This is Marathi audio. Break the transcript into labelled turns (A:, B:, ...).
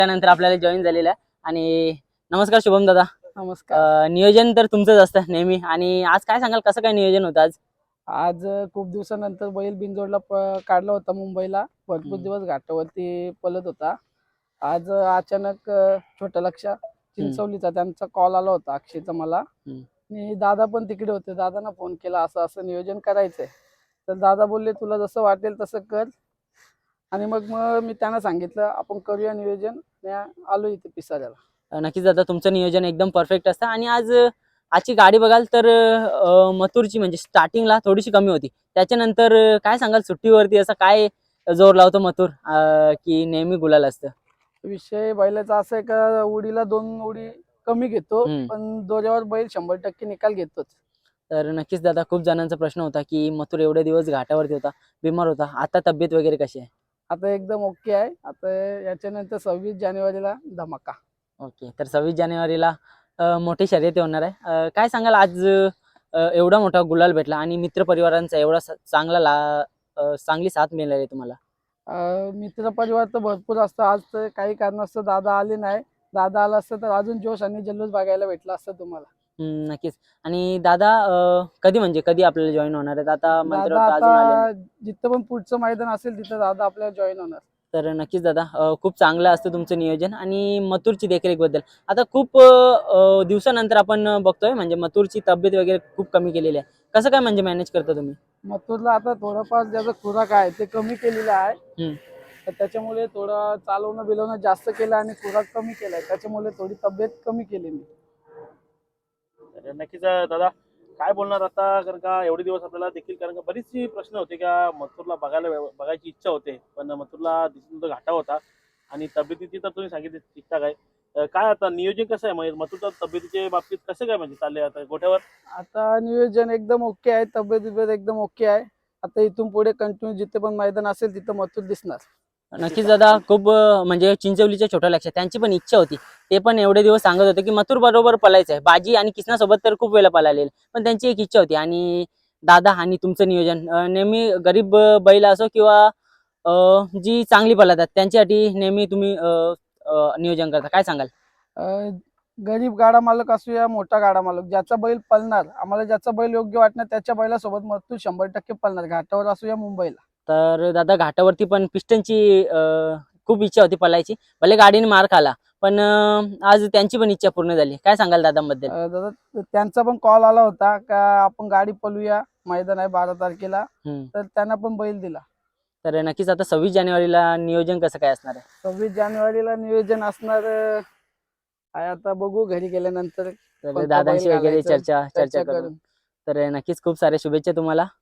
A: त्यानंतर आपल्याला जॉईन झालेला आहे. आणि नमस्कार शुभम दादा.
B: नमस्कार.
A: नियोजन तर तुमचंच असतं नेहमी, आणि आज काय सांगाल कसं काय नियोजन होतं आज?
B: आज खूप दिवसानंतर बैल बिनजोडला काढला होता मुंबईला. भरपूर दिवस घाटावरती पळत होता. आज अचानक छोट्या लक्ष चिंचवलीचा त्यांचा कॉल आला होता अक्षयचा मला. आणि दादा पण तिकडे होते. दादांना फोन केला असं असं नियोजन करायचंय. तर दादा बोलले तुला जसं वाटेल तसं कर. आणि मग मी त्यांना सांगितलं आपण करूया नियोजन. आलो इथे पिसाऱ्याला.
A: नक्कीच दादा, तुमचं नियोजन एकदम परफेक्ट असतं. आणि आजची गाडी बघाल तर मथुरची म्हणजे स्टार्टिंगला थोडीशी कमी होती. त्याच्यानंतर काय सांगाल सुट्टीवरती असं काय जोर लावतो मथुर की नेहमी गुलाल असतं?
B: विषय बैलाचा असा आहे का उडीला 2 उडी कमी घेतो, पण दोऱ्यावर बैल 100% निकाल घेतोच.
A: तर नक्कीच दादा, खूप जणांचा प्रश्न होता की मथुर एवढे दिवस घाटावरती होता, बिमार होता, आता तब्येत वगैरे कशी आहे?
B: आता एकदम ओके आहे. आता याच्यानंतर 26 जानेवारीला धमाका.
A: ओके, तर 26 जानेवारीला मोठी शर्यत होणार आहे. काय सांगाल आज एवढा मोठा गुलाल भेटला आणि मित्र परिवारांचा एवढा चांगली साथ मिळाली तुम्हाला?
B: मित्र परिवार तर भरपूर असतं. आज तर काही कारणास्तव दादा आले नाही. दादा आला असतं तर अजून जोश आणि जल्लोष बघायला भेटला असतं तुम्हाला.
A: नक्कीच. आणि दादा कधी आपल्याला जॉईन होणार आहेत? आता
B: दादा
A: अजून आले नाही.
B: आता जिथं पण पुढचं मैदान असेल तिथं दादा आपल्याला जॉईन होणार.
A: तर नक्कीच दादा, खूप चांगलं असतं तुमचं नियोजन. आणि मथुरची देखरेखबद्दल आता खूप दिवसानंतर आपण बघतोय, म्हणजे मथुरची तब्येत वगैरे खूप कमी केलेली आहे. कसं काय म्हणजे मॅनेज करता तुम्ही?
B: मथुरला आता थोडंफार ज्याचा खुराक आहे ते कमी केलेला आहे. तर त्याच्यामुळे थोडं चालवणं बिलवणं जास्त केलं आणि खुराक कमी केलाय. त्याच्यामुळे थोडी तब्येत कमी केली मी.
C: नक्कीच दादा, काय बोलणार आता, कारण का एवढे दिवस आपल्याला देखील, कारण का बरीचशी प्रश्न होते का मथुरला बघायची इच्छा होते, पण मथुरला दिसून तो घाटा होता आणि तब्येतीची तर तुम्ही सांगितली ठीकठाक आहे. काय आता नियोजन कसं आहे म्हणजे मथुरच्या तब्येतीच्या बाबतीत कसं काय म्हणजे चाललंय आता गोठ्यावर?
B: आता नियोजन एकदम ओके आहे. तब्येत एकदम ओके आहे. आता इथून पुढे कंटिन्यू जिथे पण मैदान असेल तिथं मथुर दिसणार.
A: नक्कीच दादा, खूप म्हणजे चिंचवलीच्या छोट्या लक्षात त्यांची पण इच्छा होती. ते पण एवढे दिवस सांगत होते की मथुर बरोबर पळायचं आहे. बाजी आणि किसना सोबत तर खूप वेळा पळालेले, पण त्यांची एक इच्छा होती. आणि दादा आणि तुमचं नियोजन नेहमी गरीब बैल असो किंवा जी चांगली पळतात त्यांच्यासाठी नेहमी तुम्ही नियोजन करता. काय सांगाल?
B: गरीब गाडा मालक असू या मोठा गाडा मालक, ज्याचा बैल पळणार, आम्हाला ज्याचा बैल योग्य वाटणार त्याच्या बैलासोबत मथुर 100% पळणार. घाटावर असू या मुंबईला.
A: तर दादा, घाटावरती पण पिस्टनची खूप इच्छा होती पळायची. भले गाडीने मार खाला, पण आज त्यांची पण इच्छा पूर्ण झाली. काय सांगाल दादांबद्दल?
B: दादा त्यांचा पण कॉल आला होता का आपण गाडी पळूया, मैदान आहे 12 तारखेला. तर त्यांना पण बैल दिला.
A: तर नक्कीच आता 26 जानेवारीला नियोजन कसं काय असणार आहे?
B: 26 जानेवारीला नियोजन असणार आहे. आता बघू घरी गेल्यानंतर
A: तर दादांशी वगैरे चर्चा
B: चर्चा
A: करू. तर नक्कीच खूप साऱ्या शुभेच्छा तुम्हाला.